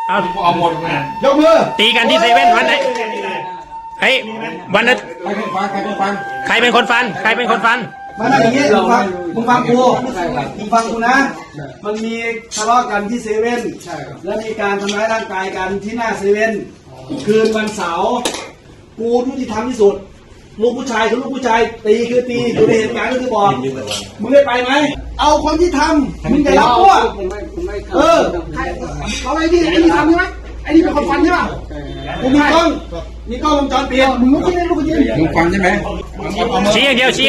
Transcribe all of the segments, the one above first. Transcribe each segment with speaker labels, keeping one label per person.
Speaker 1: เอาหมดเลยยกมือ
Speaker 2: ตีกันที่เซเว่นวันไหนเฮ้ยวันนั้นใครเป็นคนฟันใครเป็นคนฟัน
Speaker 1: มานั่งอย่างนี้มึงฟังกูนะมันมีทะเลาะกันที่เซเว่นแล้วมีการทำร้ายร่างกายกันที่หน้าเซเว่นคืนวันเสาร์กูยุติธรรมที่สุดลูกผู้ชายคือลูกผู้ชายตีคือตีอยู่ในเหตุการณ์ก็คือบอกมึงได้ไปไหมเอาคนที่ทำมึงจะรับพวกเขาไอ้นี่ทำใช่ไหมไอ้นี่เป็นคนฟันใช่ป่ะกูมีกล้องวงจรปิดมึงลุกขึ้นได้ลุกขึ้นมึงฟันใช่ไหม
Speaker 2: ชี้อย่างเดียว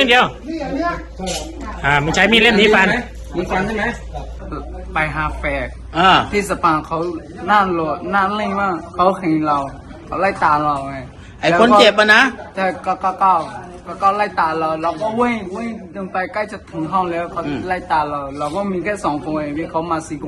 Speaker 2: มึงใช้มีดเล่มนี้ฟัน
Speaker 1: มึงฟันใช่ไหม
Speaker 3: ไปหาแฟกที่สปาเขาหน้าเล่นมากเขาเห็นเราเขาไล่ตามเราไง
Speaker 4: ไอ้คนเจ็บอะนะ
Speaker 3: ใช่ก็ไล่ตามเราก็วิ่งจนไปใกล้จะถึงห้องแล้วเขาไล่ตามเราก็มีแค่2 คนเองที่เขามา4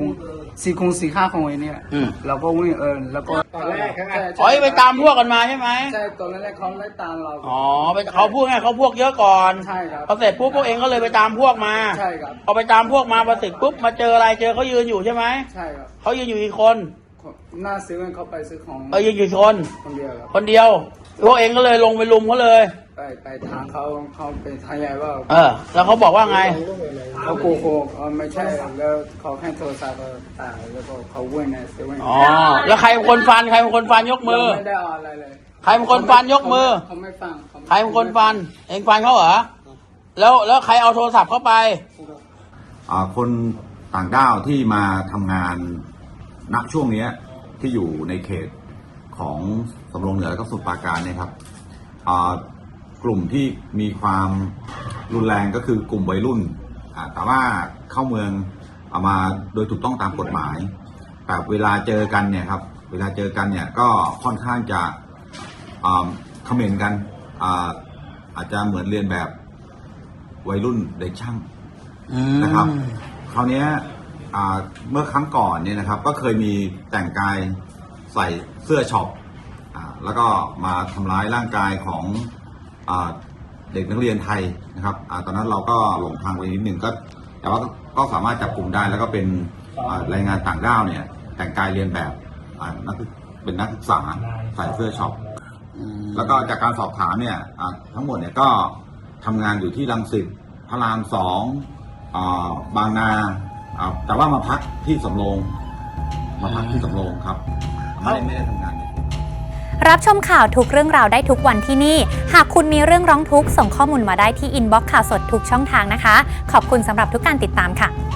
Speaker 3: 5 คนเองเนี่ยเราก็วิ่งแล้วก็
Speaker 4: ไปตามพวกกันมาใช่ไหม
Speaker 3: ใช่ตอนแรกเขาไล่ตามเรา
Speaker 4: เขาพูดไงเขาพวกเยอะก่อน
Speaker 3: ใช่ครับ
Speaker 4: พอเสร็จปุ๊บพวกเองก็เลยไปตามพวกมา
Speaker 3: ใช่ครับ
Speaker 4: พอไปตามพวกมาพอเสร็จปุ๊บมาเจออะไรเจอเขายืนอยู่ใช่ไหม
Speaker 3: ใช่ครับ
Speaker 4: เขายืนอยู่กี่คน
Speaker 3: หน้าซื้อเขาไปซื้อของ
Speaker 4: ยืนอยู่คน
Speaker 3: เดียวครับ
Speaker 4: คนเดียวพวกเองก็เลยลงไปลุมเขาเลย
Speaker 3: ไปทางเขาเป็นทายายว่า
Speaker 4: แล้วเขาบอกว่าไง
Speaker 3: เขาโกหกไม่ใช่แล้วเขาแค่โทรศัพท์ตายแล้วก็เขาวิ่งในเซเว่น
Speaker 4: แล้วใครเป็นคนฟันยกมือ
Speaker 3: ไม่ได้อะไรเลย
Speaker 4: ใครเป็นคนฟันยกมือ
Speaker 3: เขาไม่ฟัง
Speaker 4: ใครเป็นคนฟันเองฟันเขาเหรอแล้วใครเอาโทรศัพท์เข้าไป
Speaker 5: คนต่างด้าวที่มาทำงานณช่วงนี้ที่อยู่ในเขตของสำโรงเหนือและก็สมุทรปราการเนี่ยครับกลุ่มที่มีความรุนแรงก็คือกลุ่มวัยรุ่นแต่ว่าเข้าเมืองเอามาโดยถูกต้องตามกฎหมายแต่เวลาเจอกันเนี่ยครับก็ค่อนข้างจะคอมเมนต์กันอาจจะเหมือนเรียนแบบวัยรุ่นเด็กช่างนะครับคราวนี้เมื่อครั้งก่อนเนี่ยนะครับก็เคยมีแต่งกายใส่เสื้อช็อปแล้วก็มาทำร้ายร่างกายของเด็กนักเรียนไทยนะครับตอนนั้นเราก็หลงทางไปนิดหนึ่งแต่ว่าก็สามารถจับกลุ่มได้แล้วก็เป็นแรงงานต่างด้าวเนี่ยแต่งกายเรียนแบบเป็นนักศึกษาใส่เสื้อช็อปแล้วก็จากการสอบถามเนี่ยทั้งหมดเนี่ยก็ทำงานอยู่ที่รังสิตพระราม2บางนาแต่ว่ามาพักที่สำโรงครับไม่ได้ทำงาน
Speaker 6: รับชมข่าวทุกเรื่องราวได้ทุกวันที่นี่หากคุณมีเรื่องร้องทุกข์ส่งข้อมูลมาได้ที่อินบ็อกซ์ข่าวสดทุกช่องทางนะคะขอบคุณสำหรับทุกการติดตามค่ะ